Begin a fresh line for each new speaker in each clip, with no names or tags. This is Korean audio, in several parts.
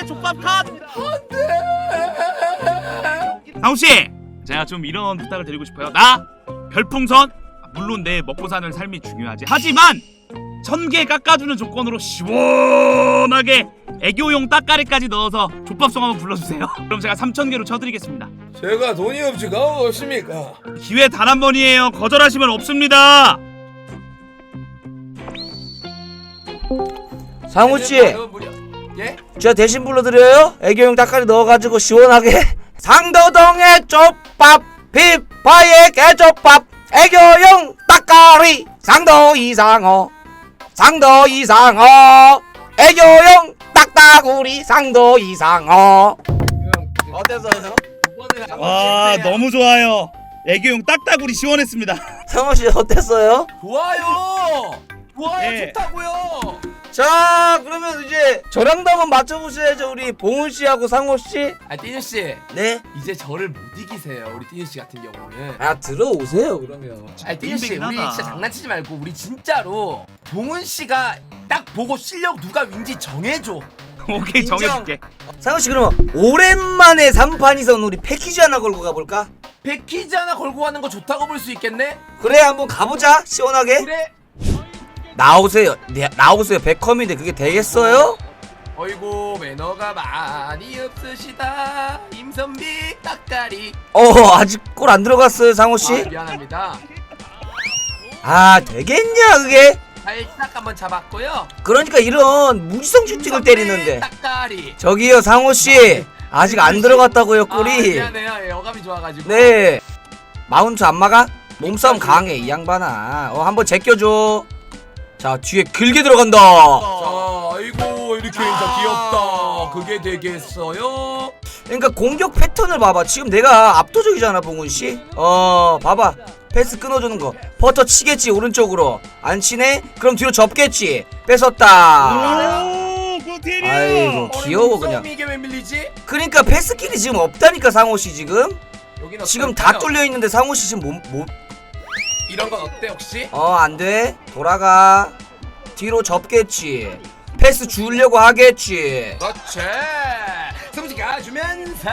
족밥 컷. 상우씨, 제가 좀 이런 부탁을 드리고 싶어요. 나 별풍선, 물론 내 먹고 사는 삶이 중요하지, 하지만 1000개 깎아주는 조건으로 시원하게 애교용 따까리까지 넣어서 족밥송 한번 불러주세요. 그럼 제가 3000개로 쳐드리겠습니다.
제가 돈이 없지가 없습니까?
기회 단 한 번이에요. 거절하시면 없습니다.
상우씨,
예?
제가 대신 불러드려요. 애교용 닭가리 넣어가지고 시원하게. 상도동의 족밥, 빗바의 개족밥, 애교용 닭가리, 상도 이상어, 상도 이상어, 애교용 딱따구리, 상도 이상어. 어땠어요?
와, 너무 좋아요. 애교용 딱따구리 시원했습니다.
상우씨 어땠어요?
좋아요. 좋아요.
예.
좋다고요.
자, 그러면 이제 저랑도 한번 맞춰보셔야죠. 우리 봉훈씨하고 상우씨.
아, 띠뉴 씨.
네?
이제 저를 못 이기세요. 우리 띠뉴 씨 같은 경우는.
아, 들어오세요 그러면.
아니, 띠뉴 씨, 우리
하다.
진짜 장난치지 말고 우리 진짜로 봉은 씨가 딱 보고 실력 누가 윈지 정해줘.
오케이,
인정.
정해줄게.
상우씨, 그러면 오랜만에 3판이선 우리 패키지 하나 걸고 가볼까?
패키지 하나 걸고 가는 거 좋다고 볼 수 있겠네?
그래, 한번 가보자. 시원하게.
그래.
나오세요. 네, 나오세요. 백컴인데 그게 되겠어요?
어이구, 매너가 많이 없으시다. 임선비 따까리.
아직 골 안 들어갔어요, 상우씨.
아, 미안합니다.
아, 되겠냐 그게?
살짝 한번 잡았고요.
그러니까 이런 무지성 슈팅을 때리는데.
따까리.
저기요, 상우씨. 아직 안 들어갔다고요,
아,
골이.
미안해요. 예, 어감이 좋아가지고.
네. 마운트 안 막아? 몸싸움 강해, 이 양반아. 한번 제껴줘. 자, 뒤에 길게 들어간다.
자, 아이고, 이렇게 진짜 귀엽다. 그게 되겠어요?
그러니까 공격 패턴을 봐봐. 지금 내가 압도적이잖아, 봉훈씨. 봐봐. 패스 끊어주는 거. 버터 치겠지, 오른쪽으로. 안 치네? 그럼 뒤로 접겠지. 뺏었다.
오, 고티리.
아이고, 귀여워 그냥.
이게 왜 밀리지?
그러니까 패스길이 지금 없다니까, 상호씨 지금.
여기는
지금 다
어떨까요?
뚫려있는데 상호씨 지금
이런 건 어때 혹시?
안돼. 돌아가. 뒤로 접겠지. 패스 주려고 하겠지.
그렇지. 승부지 가주면서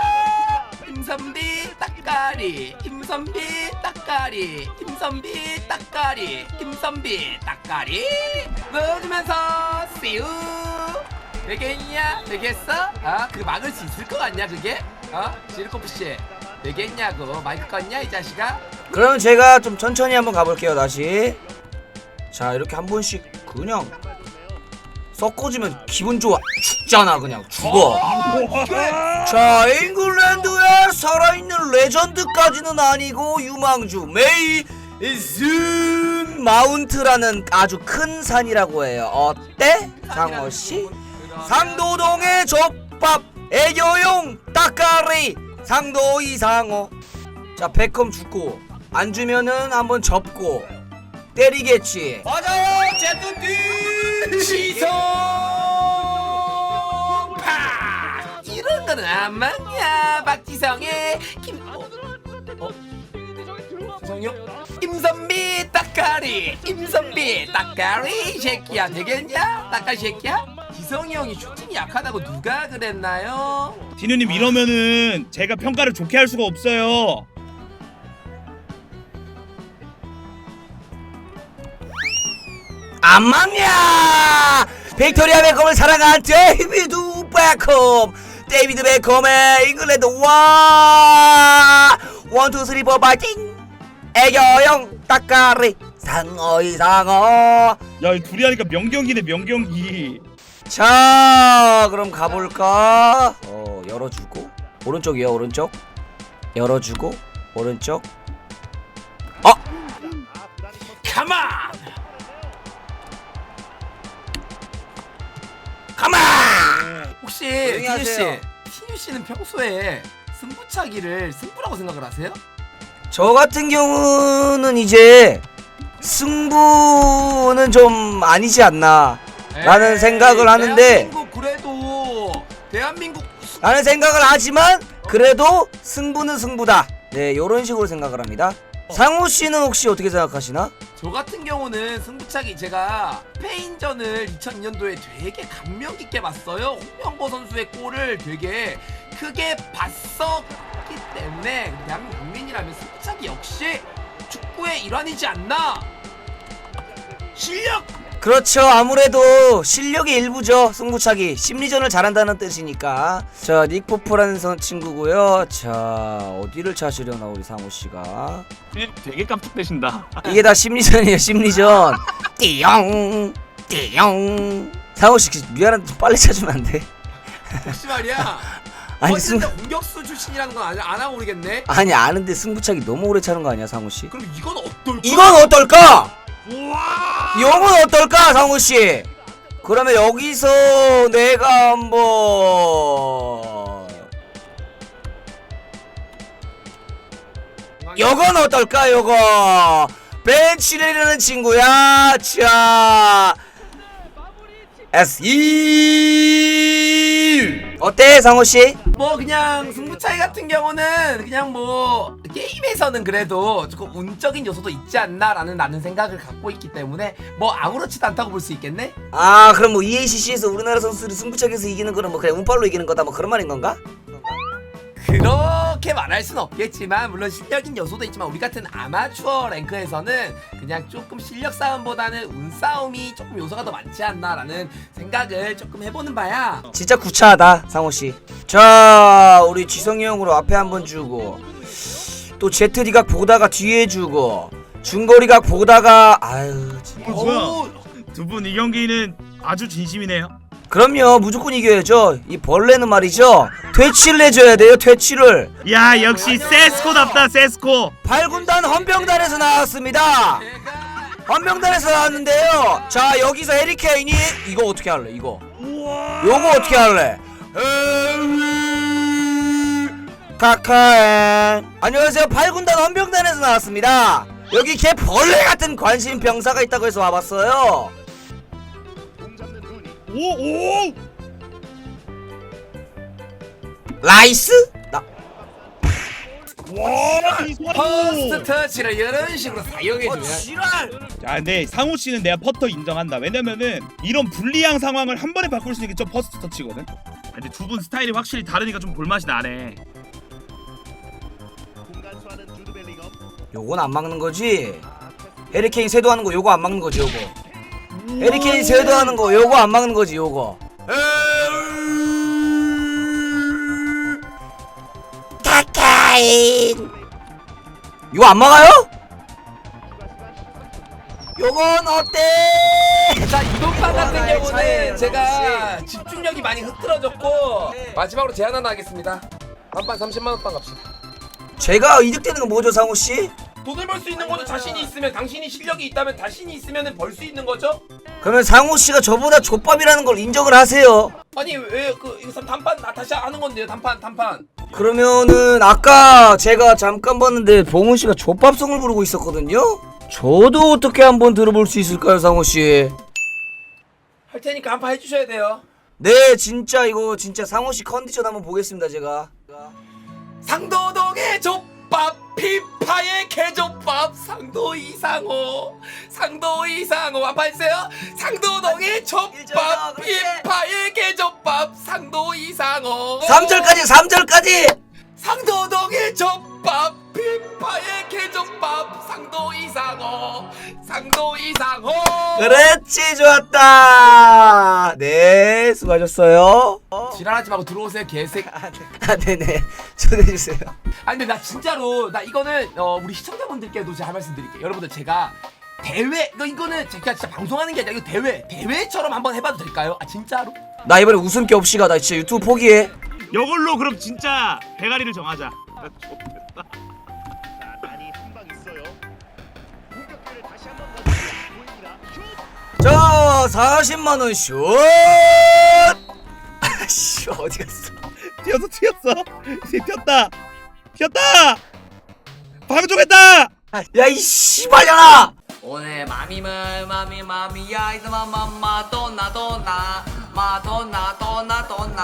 임선비 따까리, 임선비 따까리, 임선비 따까리, 임선비 따까리 넣어주면서 씨우. 되겠냐? 되겠어? 그 막을 수 있을 것 같냐 그게? 지르코프 씨 되겠냐고. 마이크 껐냐 이 자식아?
그러면 제가 좀 천천히 한번 가볼게요. 다시. 자, 이렇게 한 번씩 그냥 섞어주면 기분 좋아. 죽잖아, 그냥 죽어. 자, 잉글랜드의 살아있는 레전드까지는 아니고 유망주 메이슨 마운트라는 아주 큰 산이라고 해요. 어때? 상어씨? 상도동의 족밥, 애교용 따까리, 상도 이상어. 자, 백컴 죽고 안 주면은 한번 접고 때리겠지. 맞아요, 제트디
시성 파. 이런 거는 안 맞냐? 박지성의 지성이요? 임선비 따까리, 임선비 따까리 새끼야. 되겠냐? 따까리 새끼야? 지성이 형이 슈팅이 약하다고 누가 그랬나요?
디누님, 이러면은 제가 평가를 좋게 할 수가 없어요.
안 맞냐? 빅토리아 베컴을 사랑한 데이비드 베컴. 데이비드 베컴의 잉글랜드 원투 쓰리 포 파이팅. 애교용 따까리, 상어 이상어.
야, 이 둘이 하니까 명경기네, 명경기.
자, 그럼 가볼까? 열어주고 오른쪽이요, 오른쪽. 열어주고 오른쪽.
가만.
가만.
혹시
조용히
티뉴 씨,
하세요.
티뉴 씨는 평소에 승부차기를 승부라고 생각을 하세요?
저 같은 경우는 이제 승부는 좀 아니지 않나 라는 생각을 하는데,
대한민국 그래도 대한민국
라는 생각을 하지만 그래도 승부는 승부다. 네, 요런 식으로 생각을 합니다. 상우 씨는 혹시 어떻게 생각하시나?
저 같은 경우는 승부차기 제가 스페인전을 2002년도에 되게 감명 깊게 봤어요. 홍명보 선수의 골을 되게 크게 봤었기 때문에 대한민국 국민이라면 승부차기 역시 축구의 일환이지 않나. 실력!
그렇죠. 아무래도 실력의 일부죠. 승부차기 심리전을 잘한다는 뜻이니까. 자, 닉포프라는 친구고요. 자, 어디를 찾으려나 우리 상우씨가.
되게 깜짝대신다.
이게 다 심리전이에요. 심리전. 띠용 띠용. 상우씨 미안한데 좀 빨리 찾으면 안 돼?
혹시 말이야.
아니
진짜 공격수 출신이라는 건 안 하고 모르겠네.
아니 아는데 승부차기 너무 오래 차는 거 아니야 상우씨?
그럼 이건 어떨까?
이건 어떨까?
우와.
이건 어떨까 상우씨? 그러면 여기서 내가 한번 요건 어떨까 요거 벤치레라는 친구야. 자 S2 어때 상우씨?
뭐 그냥 승부차이 같은 경우는 그냥 뭐 게임에서는 그래도 조금 운적인 요소도 있지 않나라는 나는 생각을 갖고 있기 때문에 뭐 아무렇지도 않다고 볼 수 있겠네?
아 그럼 뭐 EACC에서 우리나라 선수들이 승부차기에서 이기는 거는 뭐 그냥 운빨로 이기는 거다 뭐 그런 말인 건가?
그렇게 말할 순 없겠지만 물론 실력인 요소도 있지만 우리 같은 아마추어 랭크에서는 그냥 조금 실력 싸움보다는 운 싸움이 조금 요소가 더 많지 않나라는 생각을 조금 해보는 바야.
진짜 구차하다 상호씨. 자 우리 지성이 형으로 앞에 한번 주고 또 제트리각 보다가 뒤에 주고 중거리각 보다가 아유 진짜.
뭐야? 두 분 이 경기는 아주 진심이네요.
그럼요 무조건 이겨야죠. 이 벌레는 말이죠 퇴치를 해줘야 돼요. 퇴치를.
야 역시 세스코답다 세스코.
8군단 헌병단에서 나왔습니다. 헌병단에서 나왔는데요. 자 여기서 해리케인이 이거 어떻게 할래 이거. 요거 어떻게 할래. 카카엔 안녕하세요. 8군단 헌병단에서 나왔습니다. 여기 개 벌레 같은 관심 병사가 있다고 해서 와봤어요.
오오.
라이스?
와이
퍼스트
소리.
터치를 이런 식으로 사용해주면
지랄.
자 근데 상우 씨는 내가 퍼터 인정한다. 왜냐면은 이런 불리한 상황을 한 번에 바꿀 수 있는 게 저 퍼스트 터치거든. 근데 두 분 스타일이 확실히 다르니까 좀 볼맛이 나네.
요건 안 막는 거지. 해리케인 세도하는 거 요거 안 막는 거지 요거. 해리케인 세도하는 거 요거 안 막는 거지 요거. 카카인 이거 안 막아요? 요건 어때?
자 이번 판 같은
하나의
경우는
차이예요,
제가
역시.
집중력이 많이 흐트러졌고 마지막으로 제안 하나 하겠습니다. 한 판 30만원 판 갑시다.
제가 이득되는 건 뭐죠 상우씨?
돈을 벌 수 있는 거죠. 자신이 있으면, 당신이 실력이 있다면 자신이 있으면 벌 수 있는 거죠.
그러면 상우씨가 저보다 족밥이라는 걸 인정을 하세요.
아니 왜 그 이거 단판 다시 하는 건데요. 단판
그러면은 아까 제가 잠깐 봤는데 봉훈씨가 족밥송을 부르고 있었거든요? 저도 어떻게 한번 들어볼 수 있을까요 상우씨?
할 테니까 한 판 해주셔야 돼요.
네 진짜 이거 진짜 상우씨 컨디션 한번 보겠습니다 제가.
상도동의 족밥, 피파의 개족밥, 상도 이상호 한판 해주세요. 상도동의 족밥, 피파의 개족밥, 상도 이상호
3절까지
상도동의 족밥, 피파의 개족밥, 상도 이상호
그렇지 좋았다. 네 수고하셨어요.
지랄하지 말고 들어오세요 개새끼.
아 네네 초대해주세요.
아니 근데 나 진짜로 나 이거는 우리 시청자분들께도 제가 할 말씀 드릴게요. 여러분들 제가 대회 이거는 제가 진짜 방송하는 게 아니라 이거 대회처럼 한번 해봐도 될까요? 아 진짜로?
나 이번에 웃음기 없이 가. 나 진짜 유튜브 포기해.
이걸로 그럼 진짜 대가리를 정하자.
자 40만원 슛. 아씨 어디 갔어.
튀었어. 이제 튀었다. 방종했다.
야이 씨발년아.
오늘 마미야 이스마 마돈나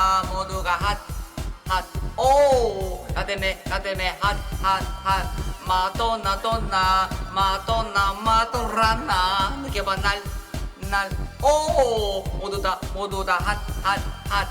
모두가 핫 오 나 때문에 핫 마돈나 돈나 마돈나 마돈라나 느껴봐 날 오 모두 다 핫